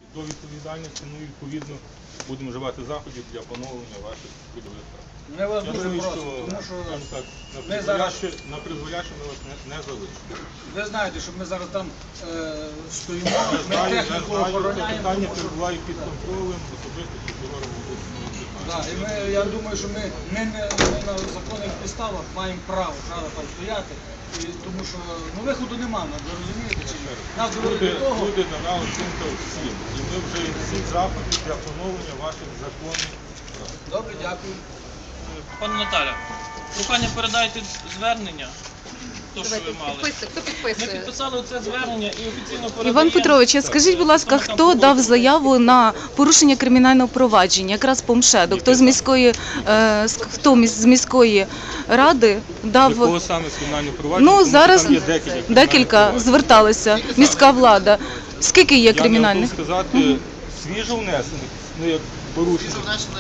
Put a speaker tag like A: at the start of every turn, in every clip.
A: до відповідальності, ну і відповідно будемо вживати заходів для поновлення ваших трудових прав.
B: Ми вас
A: Я
B: дуже
A: думаю,
B: просимо,
A: що,
B: тому що
A: скажімо так,
B: ми зараз,
A: на призволяще ми вас не залишимо.
B: ви знаєте, що ми зараз там стоїмо,
A: Я
B: ми
A: знаю,
B: техніку
A: це
B: охороняємо.
A: питання
B: тому що-
A: перебуває під контролем особисто прокурора обласного.
B: Да, і я думаю, що ми на законних підставах маємо право там стояти, і, тому що виходу нема, ви розумієте чи ні? Нас довели до того.
A: Люди надали оцінка всім, і ми вже всі заходи для поновлення ваших законних прав.
B: Добре, дякую.
C: Пане Наталя, прохання передайте звернення, то, що ви мали.
D: Хто
C: Ми
D: підписує?
C: підписали оце звернення і офіційно передаємо.
D: Іван Петрович, а скажіть, будь ласка, хто дав заяву на порушення кримінального провадження? Якраз Помшедок. Хто з міської ради дав?
A: Якого саме з кримінального провадження?
D: Ну,
A: Тому що
D: зараз
A: там є
D: декілька зверталися. Міська влада. Скільки є
A: Я не
D: кримінальних?
A: готов сказати, свіжо внесених, ну як порушення.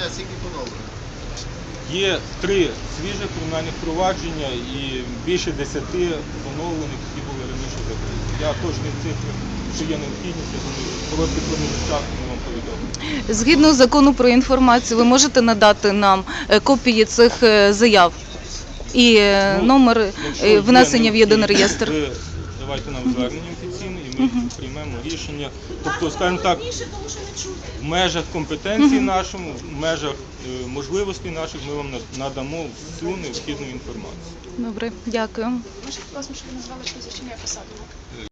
A: Є 3 свіжих кримінальних провадження і більше 10 поновлених, які були раніше закриті. Я точні цифри, що є необхідність, я думаю, в короткий проміжок часу ми вам повідомимо.
D: Згідно закону про інформацію, ви можете надати нам копії цих заяв і номер
A: Якщо є
D: внесення в єдиний
A: необхідність,
D: реєстр?
A: ви давайте нам звернення офіційне і ми приймемо рішення. Тобто, скажімо так, в межах компетенції нашому, в межах можливостей наших ми вам надамо всю необхідну інформацію.
D: Добре, дякую.
E: Можете, будь ласка, щоб ви назвали прізвище ім'я посаду?